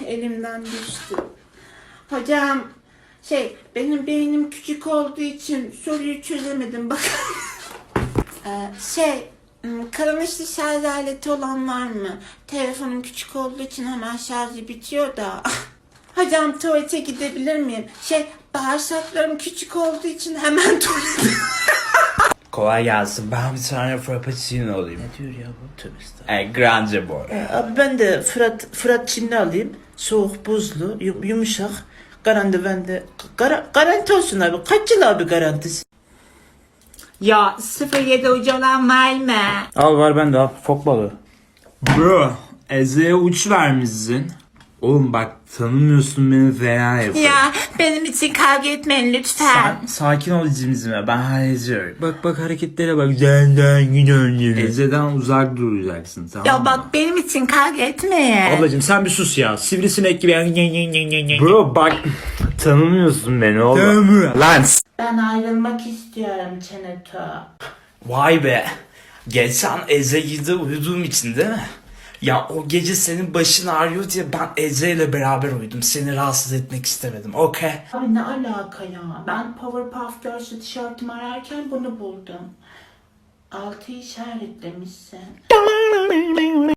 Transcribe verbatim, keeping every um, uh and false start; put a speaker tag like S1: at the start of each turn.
S1: elimden düştü. Hocam şey benim beynim küçük olduğu için soruyu çözemedim bak. ee, şey kullanışlı şarj aleti olan var mı? Telefonum küçük olduğu için hemen şarjı bitiyor da. Hocam tuvalete gidebilir miyim? Şey bağırsaklarım küçük olduğu için hemen tuvalete.
S2: Kolay gelsin. Ben bir tane frappuccino alayım.
S3: Ne diyor ya bu? Tövbe estağfurullah.
S2: E, grande boy.
S3: E, abi ben de Fırat, Fırat Çinli alayım. Soğuk, buzlu, yum- yumuşak. Garanti bende. Gara, garanti olsun abi. Kaç yıl abi garantisi?
S1: Ya sıfır yedi ucu olan var mı?
S3: Al var bende al. Fok balığı.
S2: Bro, Eze'ye uç vermişsin. Oğlum bak tanımıyorsun beni fena yapıyor.
S1: Ya benim için kavga etmeyin lütfen.
S2: Sen sakin ol cimzime, ben hallediyorum.
S3: Bak bak hareketlere bak. Senden yine önce.
S2: Eze'den uzak duracaksın, tamam
S1: Ya
S2: mı?
S1: bak benim için kavga etmeyin.
S3: Ablacım sen bir sus ya. Sivrisinek gibi.
S2: Bro bak tanımıyorsun beni oğlum.
S3: Tanımıyorum.
S2: Lan
S1: Ben ayrılmak istiyorum Çeneto.
S2: vay be. Geçen Eze'yi de uyuduğum için değil mi? Ya o gece senin başın ağrıyor diye ben Eze ile beraber uyudum. Seni rahatsız etmek istemedim. Okey.
S1: Abi ne alaka ya? Ben Powerpuff Girls'ı tişörtümü ararken bunu buldum. Altı işaretlemişsin.